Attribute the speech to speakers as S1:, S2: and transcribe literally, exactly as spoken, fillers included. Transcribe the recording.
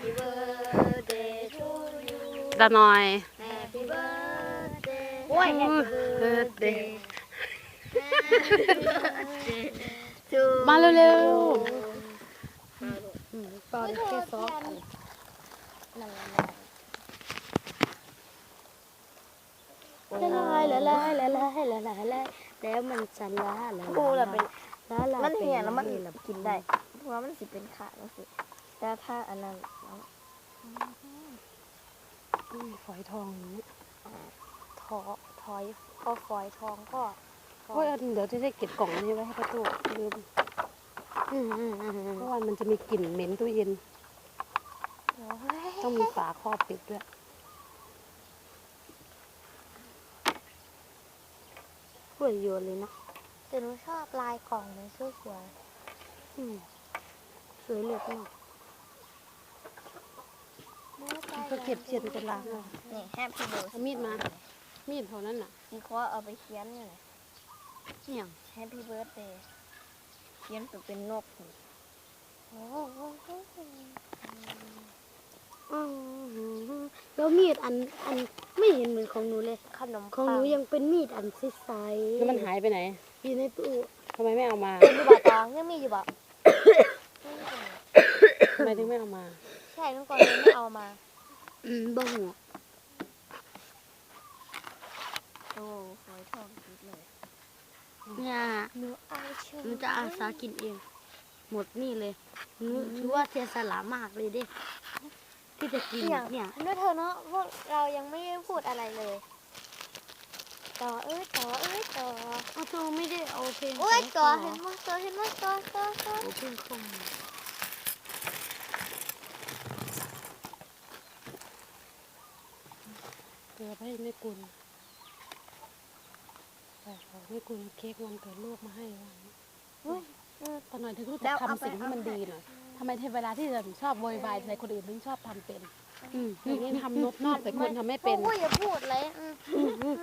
S1: Happy birthday to you
S2: ตาหน่อย
S1: Happy birthday โอ้ย Happy birthday to
S2: มาเร็ว
S1: ๆตอนแค่ซอฟละลายละลายละลายละลายละลายแล้วมันจะละละ
S3: กูละเป็น
S1: ละละ
S3: มันเหี่ยแล้วมัน
S1: ละ
S3: กินได้เพราะว่ามันสิเป็นขาแล้วสิแต่ถ้าอันนั้นแล้ว
S2: อืมฝอยทองอย่างนี้
S1: ทอถอยพอฝอยทองก็
S2: โอ้ยเอาเดี๋ยวจะได้เก็บกล่องนี้ไว้ให้ประตูลืม
S1: อืมอืมอืมอืม
S2: เพราะว่ามันจะมีกลิ่นเหม็นตู้เย็น
S1: เดี๋ยวเฮ้ย
S2: ต้องมีฝาครอบปิดด้วย
S1: สวยโยนเลยนะแต่หนูชอบลายกล่องมันสวยสวย
S2: อืม
S1: สวยเหลือเกิน
S2: ก็เก็บเช็ดจะล้างเอา
S3: นี่แฮปปี้เบิร์ด
S2: เอามีดมา มีดเท่านั้นน่ะ
S3: สีคอเอาไปเขียนอยู่ไหน
S1: เนี่ย
S3: แฮปปี้เบิร์ดเดย์เขียนตัวเป็นนก
S1: โอ้โหแล้วมีดอันอันไม่เห็นเหมือนของหนูเลย
S3: ขนม
S1: ของหนูยังเป็นมีดอันใสๆ
S2: แล้วมันหายไปไหน
S1: อยู่ในตู้
S2: ทำไมไม่เอามา
S3: เป็นอยู่บ่ตองยังมีอยู่บ่
S2: ทำไมถึงไม่เอามา
S3: ใช่เมื่อก่อนยังไม่เอามา
S1: อืมบ่หัว
S3: โอ้หอยทองคิดเลย
S1: เนี่ย
S3: หนูเอาเชื่อ
S1: หนูจะอาสากินเอง หมดนี่เลยหนูถือว่าเสียสละมากเลยเด้ที่จะกิน
S3: อย่าง
S1: เนี่ย
S3: ด้วยเธอเนาะพวกเรายังไม่ได้พูดอะไรเลยต่อเอ้ยต่อเอ้ยต่อ
S1: เอาตัวไม่ได้เอาเพลง
S3: โอ้ย
S1: ข
S3: ต่อ
S1: อง
S3: เห็น
S1: เขา
S3: มั้ยต่อเห็นมั้ยต่อต่อต่อ
S1: เอาเพลงของ
S2: เพื่อให้แม่กุลแต่ของแม่กุลเค้กวันเกิดลูกมาให้วันนี้
S3: เฮ้ย
S2: ตอนหน่อยถึงรู้จักทำสิ่งที่มันดีหน่อยทำไมเวลาที่เราชอบโวยวายใส่คนอื่นถึงชอบทำเป็น
S1: อืม
S2: อย่างนี้ทำนบนอกแต่คนทำไม่เป็น
S3: โอ้ยอย่าพูดเลยอืม